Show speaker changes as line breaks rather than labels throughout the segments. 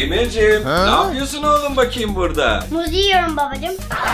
Demirciğim, ne yapıyorsun oğlum bakayım burada?
Muz yiyorum babacığım.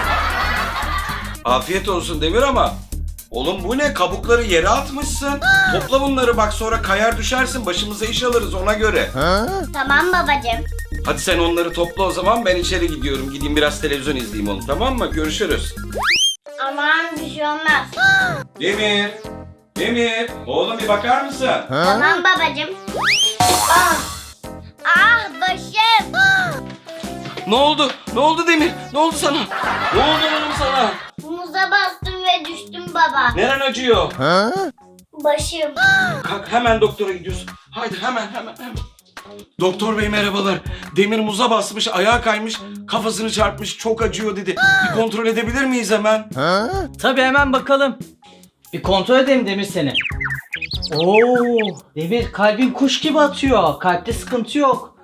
Afiyet olsun Demir ama. Oğlum bu ne? Kabukları yere atmışsın. Topla bunları bak, sonra kayar düşersin. Başımıza iş alırız ona göre.
Tamam babacığım.
Hadi sen onları topla o zaman, ben içeri gidiyorum. Gideyim biraz televizyon izleyeyim oğlum, tamam mı? Görüşürüz.
Aman bir şey olmaz.
Demir. Demir. Oğlum bir bakar mısın?
Tamam babacığım. Ah, ah başım.
Ne oldu? Ne oldu Demir? Ne oldu sana? Ne oldu oğlum sana?
Muza bastım ve düştüm baba.
Neren acıyor?
Başım.
Kalk, hemen doktora gidiyorsun. Haydi hemen. Doktor bey merhabalar. Demir muza basmış, ayağa kaymış, kafasını çarpmış, çok acıyor dedi. Bir kontrol edebilir miyiz hemen?
Tabii hemen bakalım. Bir kontrol edeyim Demir seni. Oo, Demir kalbin kuş gibi atıyor. Kalpte sıkıntı yok.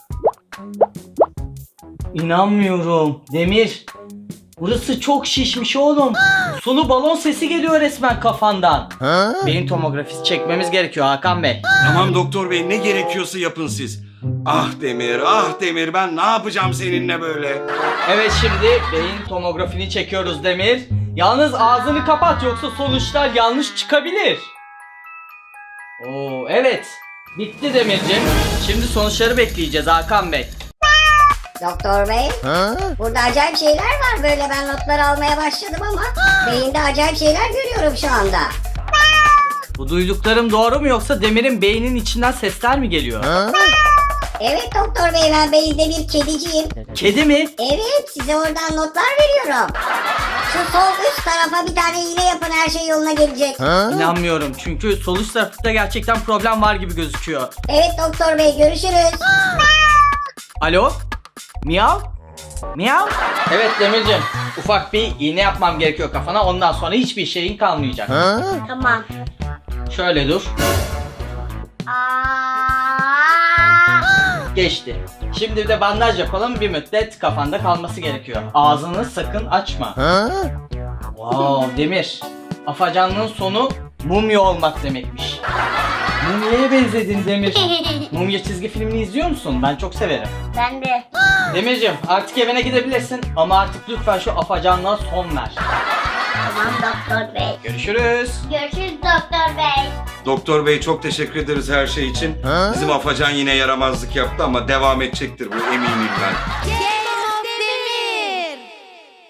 İnanmıyorum. Demir. Burası çok şişmiş oğlum. Sulu balon sesi geliyor resmen kafandan. Beyin tomografisi çekmemiz gerekiyor Hakan Bey.
Tamam doktor bey, ne gerekiyorsa yapın siz. Ah Demir, ben ne yapacağım seninle böyle?
Evet, şimdi beyin tomografini çekiyoruz Demir. Yalnız ağzını kapat, yoksa sonuçlar yanlış çıkabilir. Oo, evet. Bitti Demirciğim. Şimdi sonuçları bekleyeceğiz Hakan Bey.
Doktor bey, burada acayip şeyler var, böyle ben notlar almaya başladım ama beyinde acayip şeyler görüyorum şu anda.
Bu duyduklarım doğru mu, yoksa Demir'in beyninin içinden sesler mi geliyor?
Evet doktor bey, ben beyinde bir kediciyim.
Kedi mi?
Evet, size oradan notlar veriyorum. Şu sol üst tarafa bir tane iğne yapın, her şey yoluna gelecek.
İnanmıyorum, çünkü sol üst tarafta gerçekten problem var gibi gözüküyor.
Evet doktor bey, görüşürüz.
Alo? Miyav? Miyav? Evet Demirciğim, ufak bir iğne yapmam gerekiyor kafana, ondan sonra hiçbir şeyin kalmayacak.
Tamam.
Şöyle dur. Geçti. Şimdi bir de bandaj yapalım, bir müddet kafanda kalması gerekiyor. Ağzını sakın açma. Wow Demir, afacanlığın sonu mumya olmak demekmiş. Mumya'ya benzedin Demir. Mumya çizgi filmini izliyor musun? Ben çok severim.
Ben de.
Demirciğim, artık evine gidebilirsin ama artık lütfen şu afacanlığa son ver.
Tamam doktor bey.
Görüşürüz.
Görüşürüz doktor bey.
Doktor bey çok teşekkür ederiz her şey için. Bizim Afacan yine yaramazlık yaptı ama devam edecektir bu, eminim ben.